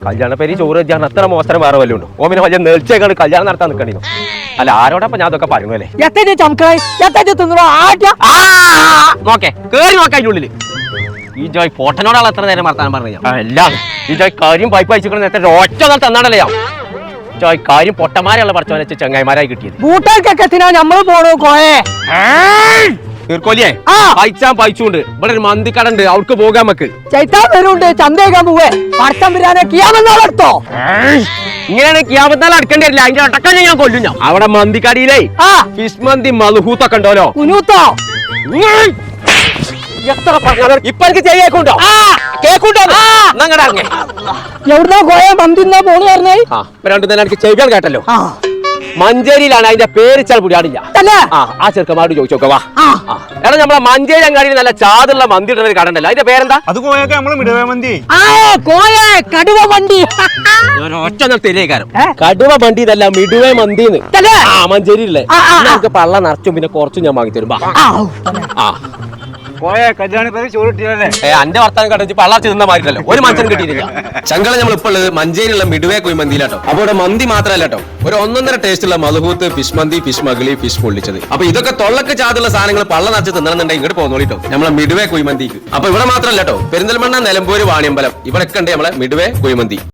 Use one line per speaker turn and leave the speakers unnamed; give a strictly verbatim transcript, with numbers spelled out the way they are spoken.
കല്യാണ പേര് ചോറ് വെച്ചാൽ അത്ര മോശം വേറെ വല്ലതും ഉണ്ടോ? ഓമിനെ വലിയ നേർച്ചയൊക്കെ കല്യാണം നടത്താൻ നിൽക്കണോ? അല്ല ആരോടൊപ്പം ഞാൻ അതൊക്കെ പറയുന്നു അല്ലേ? നോക്കേ കേറി നോക്കാം അതിനുള്ളില്. ഈ ജോയ് ഫോട്ടനോടാണ് എത്ര നേരം വർത്താനം പറഞ്ഞു ഞാൻ. എല്ലാം ഈ ജോയ് കാര്യം പൈപ്പ് അയച്ചിട്ട് നേരത്തെ ഒറ്റ നാൾ തന്നാണല്ലേ ഞാൻ. ജോയ് കാര്യം പൊട്ടന്മാരെയുള്ള പഠിച്ചവനെ വെച്ച് ചങ്ങായിമാരായി കിട്ടിയത്.
ബൂട്ടൊക്കെ നമ്മള് പോണു കോയെ
തീർക്കോലിയേ പൈച്ചാൻ പൈച്ചുണ്ട്. ഇവിടെ ഒരു മന്തിക്കട ഉണ്ട്, അവർക്ക് പോകാൻ നമുക്ക്.
ചൈത്താൻ വരുന്നുണ്ട്, ചന്തേക്കാൻ പോവേ. പടക്കം വരാനെ കിയാമെന്നാളെടുത്തോ.
ഇങ്ങനെയാണ് കിയാമത്താൽ അടുക്കേണ്ടി വരില്ല. അതിന്റെ ഒട്ടക്കം ഞാൻ കൊല്ലും ഞാൻ. അവിടെ മന്തിക്കടിയിലേ ഫിഷ് മന്തി മധുഹൂത്തൊക്കെ ഉണ്ടല്ലോ.
കുനൂത്തോ
എത്ര പറഞ്ഞാലും ഇപ്പൊ എനിക്ക് ചെയ്യേക്കുണ്ടോ കേക്കുണ്ടോ?
എവിടുന്നാ കോയ മന്തിന്നാ പോണു പറഞ്ഞേ?
രണ്ടു തന്നെ എനിക്ക് ചെയ്യാൻ കേട്ടല്ലോ. മഞ്ചേരിയിലാണ് അതിന്റെ പേര് ചാൽ പുടിയാടില്ല. ആ ചെറുക്കന്മാരോട് ചോദിച്ചോക്കെ വാ. എടാ നമ്മളെ മഞ്ചേരി അങ്ങാടിയിൽ നല്ല ചാതുള്ള മന്തി ഇടുന്ന ഒരു കട ഉണ്ടല്ലോ, അതിന്റെ പേരെന്താ?
അത് കോയൊക്കെ നമ്മള് മിടുവ മന്തി.
കടുവ മന്തി
ഒറ്റ തെരേക്കാരം. കടുവ മന്തി ഇതല്ല, മിടുവ മന്തിന്ന്. ആ മഞ്ചേരിയില്ലേ നമുക്ക് പള്ള നിറച്ചും പിന്നെ കുറച്ചും ഞാൻ വാങ്ങി തരും. ആ
കോയ കല്യാണ പേര് ചോറ് കിട്ടിയല്ലേ?
അന്റെ വർത്താനം കണ്ടിച്ച് പള്ളാർച്ച് നിന്ന മാറിയിട്ടല്ലോ, ഒരു മനുഷ്യൻ കിട്ടിയിട്ടില്ല. ചങ്കള നമ്മൾ ഇപ്പോൾ ഉള്ളത് മഞ്ചേരിയുള്ള മിടുവേ കുഴിമന്തിയിലാട്ടോ. അപ്പൊ ഇവിടെ മന്തി മാത്രമല്ല കേട്ടോ, ഒരു ഒന്നൊന്നര ടേസ്റ്റുള്ള മധുഹൂത്ത്, ഫിഷ് മന്തി, ഫിഷ് മകളി, ഫിഷ് പൊള്ളിച്ചത്. അപ്പൊ ഇതൊക്കെ തൊള്ളക്ക് ചാതുള്ള സാധനങ്ങൾ പള്ള നിറച്ച് തിന്നണമെന്നുണ്ടെങ്കിൽ ഇങ്ങോട്ട് പോകുന്നോളിട്ടോ നമ്മളെ മിടുവേ കുഴിമന്തിക്ക്. അപ്പൊ ഇവിടെ മാത്രമല്ല കേട്ടോ, പെരിന്തൽമണ്ണ, നിലമ്പൂര്, വാണിയമ്പലം ഇവിടെയൊക്കെ ഉണ്ട് നമ്മളെ മിടുവേ കുഴിമന്തി.